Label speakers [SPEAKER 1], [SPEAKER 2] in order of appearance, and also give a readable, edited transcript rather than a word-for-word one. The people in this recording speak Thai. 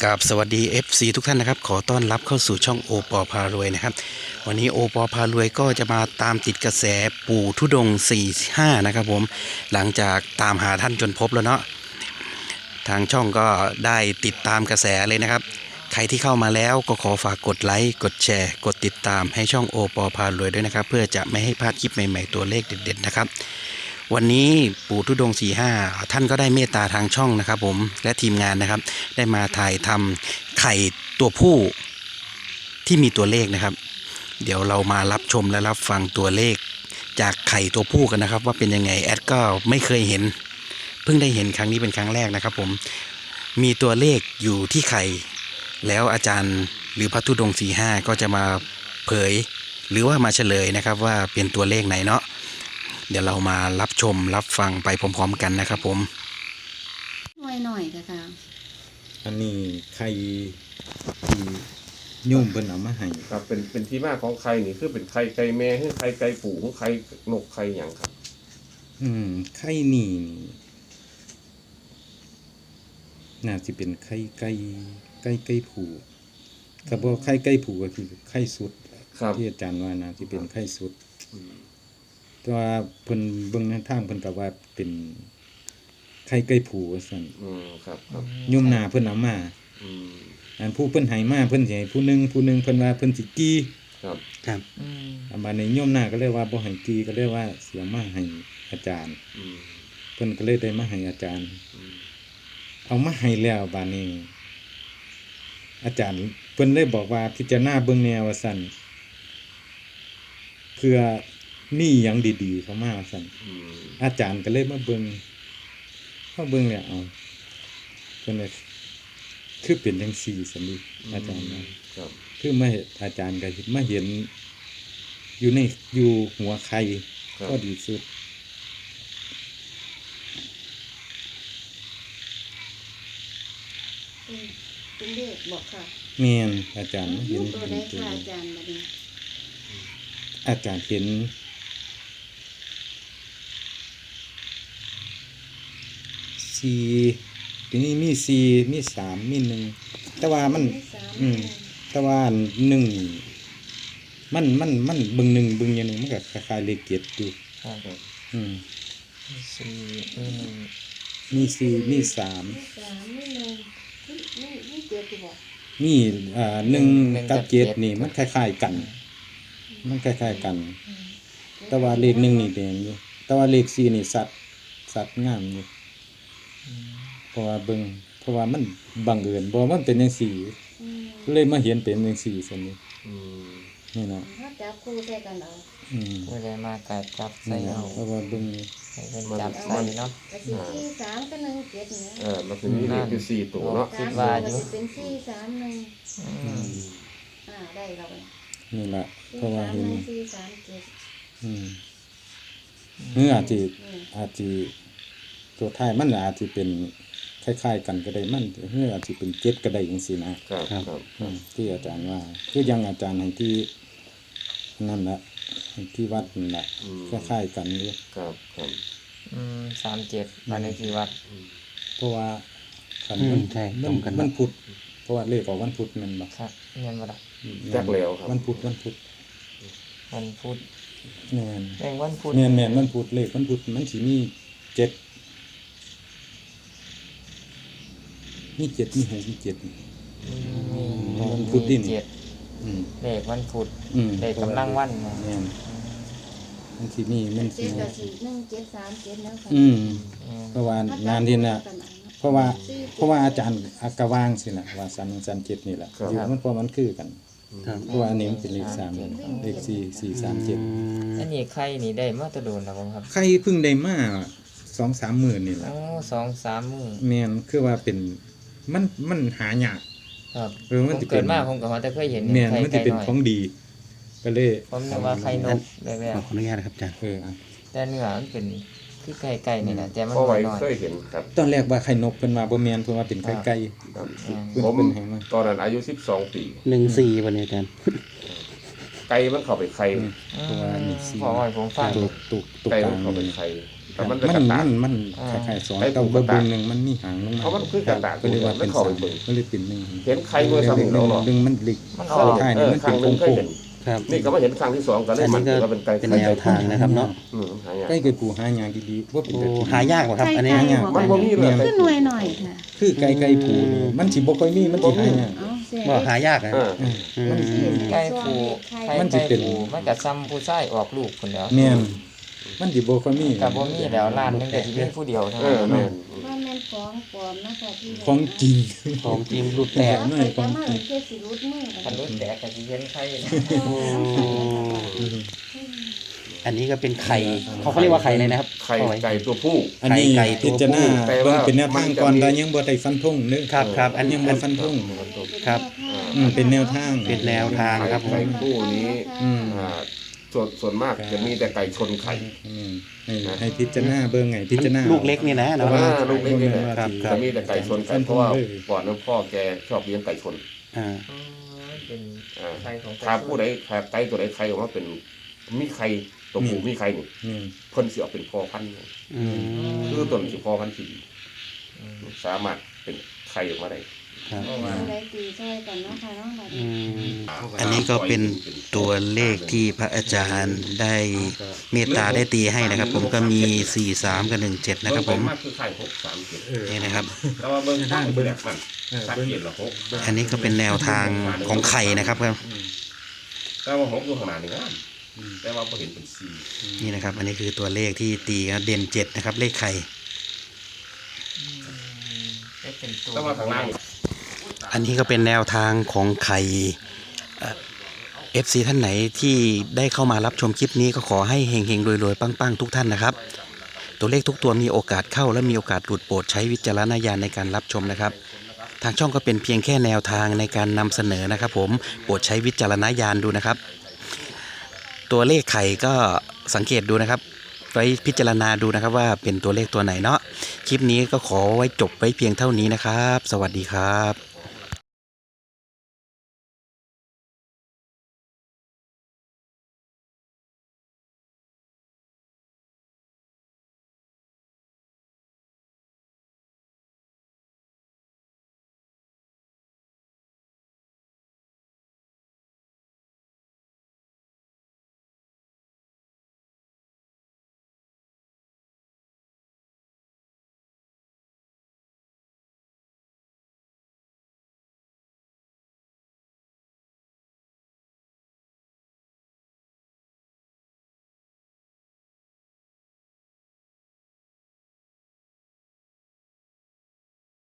[SPEAKER 1] กับสวัสดี FC ทุกท่านนะครับขอต้อนรับเข้าสู่ช่องโอปอพารวยนะครับวันนี้โอปอพารวยก็จะมาตามติดกระแสปู่ธุดงค์45นะครับผมหลังจากตามหาท่านจนพบแล้วเนาะทางช่องก็ได้ติดตามกระแสเลยนะครับใครที่เข้ามาแล้วก็ขอฝากกดไลค์กดแชร์กดติดตามให้ช่องโอปอพารวยด้วยนะครับเพื่อจะไม่ให้พลาดคลิปใหม่ๆตัวเลขเด็ดๆนะครับวันนี้ปู่ธุดงค์45ท่านก็ได้เมตตาทางช่องนะครับผมและทีมงานนะครับได้มาถ่ายทำไข่ตัวผู้ที่มีตัวเลขนะครับเดี๋ยวเรามารับชมและรับฟังตัวเลขจากไข่ตัวผู้กันนะครับว่าเป็นยังไงแอดก็ไม่เคยเห็นเพิ่งได้เห็นครั้งนี้เป็นครั้งแรกนะครับผมมีตัวเลขอยู่ที่ไข่แล้วอาจารย์หรือพระธุดงค์45ก็จะมาเผยหรือว่ามาเฉลยนะครับว่าเป็นตัวเลขไหนเนาะเดี๋ยวเรามารับชมรับฟังไปพร้อมๆกันนะครับผม
[SPEAKER 2] หน่อยๆค่ะ
[SPEAKER 3] อันนี้ไข่ที่โยุ่มเพิ่นเอามาให้
[SPEAKER 4] ครับเป็นที่มาของไข่นี่คือเป็นไข่ไก่แม่หรือไข่ไก่ปู่หรือไข่นกไข่หยังครับ
[SPEAKER 3] ไข่นี่น่าสิเป็นไข่ไก่ผูถ้าบ่ไข่ไก่ผูก็คือไข่สุดที่อาจารย์ว่าน่าสิเป็นไข่สุดแต่ว่าเพิ่นเบิ่งในทางเพิ่นก็ว่าเป็นไข่ไก่ผูว่าซั่น
[SPEAKER 4] ครับ
[SPEAKER 3] โยมหน้าเพิ่นเอามาอันผู้เพิ่นให้มาเพิ่นสิให้ผู้หนึงเพิ่นว่าเพิ่นสิกี้
[SPEAKER 1] ครับ
[SPEAKER 3] บัดนี้โยมหน้าก็เลยว่าบ่ให้กี้ก็เลยว่าเสียมาให้อาจารย์เพิ่นก็เลยได้มาให้อาจารย์เอามาให้แล้วบัดนี้อาจารย์เพิ่นเลยบอกว่าพิจารณาเบิ่งแนวว่าซั่นเพื่อมีหยังดีๆเข้ามาว่าซั่นอาจารย์ก็เลยมาเบิ่งแล้วเอาเพิ่นเลยคือเป็นจังซี่ซั่นดิอาจารย์นะครับคือมาอาจารย์ก็มาเห็นอยู่หัวไข่ก็ดีสุด
[SPEAKER 2] เป็นเลขบอกค่ะ
[SPEAKER 3] แม่นอาจารย์เห็น
[SPEAKER 2] ตัวใดค่ะอาจารย์บัดนี้
[SPEAKER 3] อาจารย์เห็น4ทีนี้มี4มี3มี1แต่ว่ามันแต่ว่า1มันเบิ่ง1เบิ่งอย่างนึงมันก็คล้ายๆเลข7อยู่
[SPEAKER 5] ครับ
[SPEAKER 3] มี4มี3มี1มี1กับ7นี่มันคล้ายๆกันแต่ว่าเลข1นี่แดงอยู่แต่ว่าเลข4นี่สัตว์งามอยู่เพราะว่ามันบังเอิญบ่มันเป็นจังซี่เลยมาเห็นเป็นจังซี่ซั่นนี่นี่เนาะ
[SPEAKER 2] ถ้าจับคู่ใส่กันเอา
[SPEAKER 5] ผู้ใดมาก็จับใส่เอา
[SPEAKER 3] เพราะว่าเบิ่ง
[SPEAKER 5] ให้เพิ่นจับใส่เนาะ
[SPEAKER 2] ก็สิ43กับ17เนี่ย
[SPEAKER 4] มันคือมีเลขอยู่4ตัวเนาะ
[SPEAKER 5] คิดว่าอยู่
[SPEAKER 2] เป็น431ได้แล้ว
[SPEAKER 3] นี่ล่ะเพราะว่าเห็น
[SPEAKER 2] 437
[SPEAKER 3] อาจสิตัวท้ายมันอาจสิเป็นคล้ายๆกันก็ได้มันอาจสิเป็น7ก็ได้จังซี่นะครับที่อาจารย์ว่าคือยังอาจารย์ให้ที่นั่นล่ะที่วัดนั่นล่ะคล้ายๆกันอยู่
[SPEAKER 4] ครับ
[SPEAKER 5] 37บ้านเลขที่วัด
[SPEAKER 3] เพราะว่าคันมันพุธเพราะว่าเลขออกวันพุธแม่นบ่
[SPEAKER 5] ครับแม่นบ่ล่ะ
[SPEAKER 4] จักแล้วครับ
[SPEAKER 3] วันพุธ
[SPEAKER 5] แม่นวันพุธ
[SPEAKER 3] แม่นวันพุธเลขวันพุธมันสิมี7มี7มี6มี7วันพุธนี่
[SPEAKER 5] เลขวันพุธเลขกำลังวันแม่น
[SPEAKER 3] มันสิมีมันสิ
[SPEAKER 2] 17แล้วค่ะ
[SPEAKER 3] เพราะว่างานที่น่ะเพราะว่าอาจารย์อากวางสิล่ะว่า337นี่ล่ะอยู่มันเพราะมันคือกันเพราะว่าอันนี้มันเป็นเลข3เลข437
[SPEAKER 5] อันนี้ไข่นี่ได้มาแตะโดนแล้วบ่ครับ
[SPEAKER 3] ไข่เพิ่งได้มา 2-3 มื้อนี่ล่ะ
[SPEAKER 5] 2-3 มื้อ
[SPEAKER 3] แม่นคือว่าเป็นมันหายาก
[SPEAKER 5] ครับมันสิเกิดมาผมก็ว่าแต่เคยเห็น
[SPEAKER 3] แม่นมันสิเป็นของดีก็เลย
[SPEAKER 5] ผมนึกว่าไข่นกแบบ
[SPEAKER 1] ขออนุญาตนะครับอาจารย์
[SPEAKER 5] แต่เนื้อมันเป็นคือไก่นี่แหละแต่มัน
[SPEAKER 4] น้อยเคยเห็นครับ
[SPEAKER 3] ตอนแรกว่าไข่นกเพิ่นว่าบ่แม่นเพิ่นว่าเป็นไข่ไก่
[SPEAKER 4] ผมตอนนั้นอายุ12 ปี
[SPEAKER 1] 14วันนี้อาจารย์
[SPEAKER 4] ไก่มันเข้าไปไข่
[SPEAKER 3] ตัวนี่สี่
[SPEAKER 5] พอให้ผมฟัง
[SPEAKER 3] ตัว
[SPEAKER 4] ไก่
[SPEAKER 3] ก
[SPEAKER 4] มั
[SPEAKER 3] ลาน ง
[SPEAKER 4] เข้าไป
[SPEAKER 3] นี่
[SPEAKER 4] ไข่แต่มัน
[SPEAKER 3] มัน
[SPEAKER 4] กระตาก
[SPEAKER 3] มันคล้ายๆสองเต้าเบิ่งหนึงมันมีหางลงมา
[SPEAKER 4] เพราะมันคือกระตาก
[SPEAKER 3] ก็เลยว่าเป็น
[SPEAKER 4] มันเข้า
[SPEAKER 3] สาม
[SPEAKER 4] ไปเบิ่ง
[SPEAKER 3] ก็เลยเป็นหนึ่ง
[SPEAKER 4] เห็นไข่ด้วยซ้ำเนาะ
[SPEAKER 3] ดึงมันหลิก
[SPEAKER 5] มัน
[SPEAKER 4] ข้
[SPEAKER 5] ออก
[SPEAKER 3] ใช่นี่มันเป็น
[SPEAKER 4] ครั้งห
[SPEAKER 3] โค้ง
[SPEAKER 1] ครับ
[SPEAKER 4] นี่ก็มาเห็นครั้งที่สองก็เลย
[SPEAKER 1] อัน
[SPEAKER 4] มั
[SPEAKER 1] นี้
[SPEAKER 4] น
[SPEAKER 1] ก็
[SPEAKER 4] ก็เป็นไก่
[SPEAKER 1] เป็นแนวทางนะครับเนาะ
[SPEAKER 4] หายาก
[SPEAKER 3] ใกล้กับปูหายางดีๆว่าเป็น
[SPEAKER 1] โอ้
[SPEAKER 3] ตะกี้
[SPEAKER 1] หายากกว่าครับ อันนี้
[SPEAKER 2] ไก่
[SPEAKER 4] มันบ่มีเลย
[SPEAKER 2] ขึ้นหน่วยหน่อยค่ะ
[SPEAKER 3] คือไก่ปูนี่มันสิบ่ค่อยมีมันสิหายาก
[SPEAKER 2] เอาเสีย
[SPEAKER 1] บ่หายากอ่ะ
[SPEAKER 4] เออ
[SPEAKER 3] มัน
[SPEAKER 5] ไก่ปูไข่
[SPEAKER 3] มันสิ
[SPEAKER 5] ไก่
[SPEAKER 3] เป็น
[SPEAKER 5] ปูมันก็ซ้ำผู้ชายออกลูกพุ่นแหล้ว
[SPEAKER 3] แม่นมันสิบ่ค่อยมี
[SPEAKER 5] ก็บ่มีแล้วร้านนึงก็สิมีผู้เดียวเท่า
[SPEAKER 4] เอ
[SPEAKER 5] นั้
[SPEAKER 4] อน แม่น
[SPEAKER 2] ว่าแม่นของปลอมนะคะที่
[SPEAKER 3] ของจริง
[SPEAKER 1] ของจริงรูดแต
[SPEAKER 2] แต่
[SPEAKER 1] ก
[SPEAKER 2] ว่าไปจะมาเกี่ยวสิรุดมือ
[SPEAKER 5] คันรุ่นแตกก็สิเห็นไข่
[SPEAKER 1] อันนี้ก็เป็นไข่เขาเรียกว่าไข่เลยนะครับ
[SPEAKER 4] ไข่ไก่ตัวผู้
[SPEAKER 3] อันนี้
[SPEAKER 1] ไก่ตัว
[SPEAKER 3] พิจารณา
[SPEAKER 4] แต่
[SPEAKER 3] เบิ่
[SPEAKER 4] ว่า
[SPEAKER 3] งเป็นแนวทางก่อน
[SPEAKER 4] มันจะมี
[SPEAKER 3] แต่ยังบ่ได้ฟันธงเด้อ
[SPEAKER 1] ครับอันนี้
[SPEAKER 3] ยังบ่ฟันธง
[SPEAKER 1] ครับ
[SPEAKER 3] เป็นแนวทาง
[SPEAKER 1] เป็นแนวทางครับผม
[SPEAKER 4] ไก่คู่นี้
[SPEAKER 3] อืม
[SPEAKER 4] ส่วนมากจะมีแต่ไก่ชนไข่
[SPEAKER 3] ให้พิจารณาเบิ่งไงพิจารณา
[SPEAKER 1] ลูกเล็กนี่นะ
[SPEAKER 3] เพ
[SPEAKER 1] เนาะ
[SPEAKER 3] ราะว่า
[SPEAKER 4] ลูกเล็กนี่แหละ
[SPEAKER 1] ครับ
[SPEAKER 4] จะมีแต่ไก่ชนไก่เพราะว่าก่อนนั้นพ่อแกชอบเลี้ยงไก่ชน
[SPEAKER 1] อ่า
[SPEAKER 5] เป็น
[SPEAKER 4] อ่า
[SPEAKER 5] ไข่ของ
[SPEAKER 4] ถ้าผู้ใดถ้าไก่ตัวใดไข่ออกมาเป็นมีไข่ตัวผู้มีไข่นี่
[SPEAKER 3] นี่
[SPEAKER 4] เพิ่นสิเอาเป็นพ่อพันธุ์
[SPEAKER 1] อืม
[SPEAKER 4] คือต้นสิพ่อพันธุ์ที่ดีสามารถเป็นไข่ออกมาได้
[SPEAKER 1] ครับ
[SPEAKER 2] ได้ตีช่วยกันเนาะค่ะเนาะบัด
[SPEAKER 1] อื
[SPEAKER 2] นี้
[SPEAKER 1] มอันนี้ก็เป็นตัวเลขที่พระอาจารย์ได้เมตตาได้ตีให้นะครับ ผมก็มี 43 กับ 17 นะครับผม
[SPEAKER 4] เงไปมากคือไข่6 3
[SPEAKER 1] นี่นะครับ
[SPEAKER 4] 7แต่ว่าเบิ่งทางเบิ่งแบบมันสักเกตละ6
[SPEAKER 1] อันนี้ก็เป็นแนวทางของไข่นะครับครับ
[SPEAKER 4] แต่ว่า6อยู่ขนาดนี้นะแต่ว่าบ่เห็นเป็น4
[SPEAKER 1] นี่นะครับ อันนี้คือตัวเลขที่ตีเด่น 7 นะครับ เลขไข่
[SPEAKER 5] เป็นตัว
[SPEAKER 4] แต่ว่าข้างล่าง
[SPEAKER 1] อันนี้ก็เป็นแนวทางของไข่FC ท่านไหนที่ได้เข้ามารับชมคลิปนี้ก็ขอให้เฮงๆรวยๆปังๆทุกท่านนะครับ ตัวเลขทุกตัวมีโอกาสเข้าและมีโอกาสหลุดโปรดใช้วิจารณญาณในการรับชมนะครับ ทางช่องก็เป็นเพียงแค่แนวทางในการนำเสนอนะครับผมโปรดใช้วิจารณญาณดูนะครับ ตัวเลขไข่ก็สังเกตดูนะครับไว้พิจารณาดูนะครับว่าเป็นตัวเลขตัวไหนเนาะคลิปนี้ก็ขอไว้จบไว้เพียงเท่านี้นะครับ สวัสดีครับ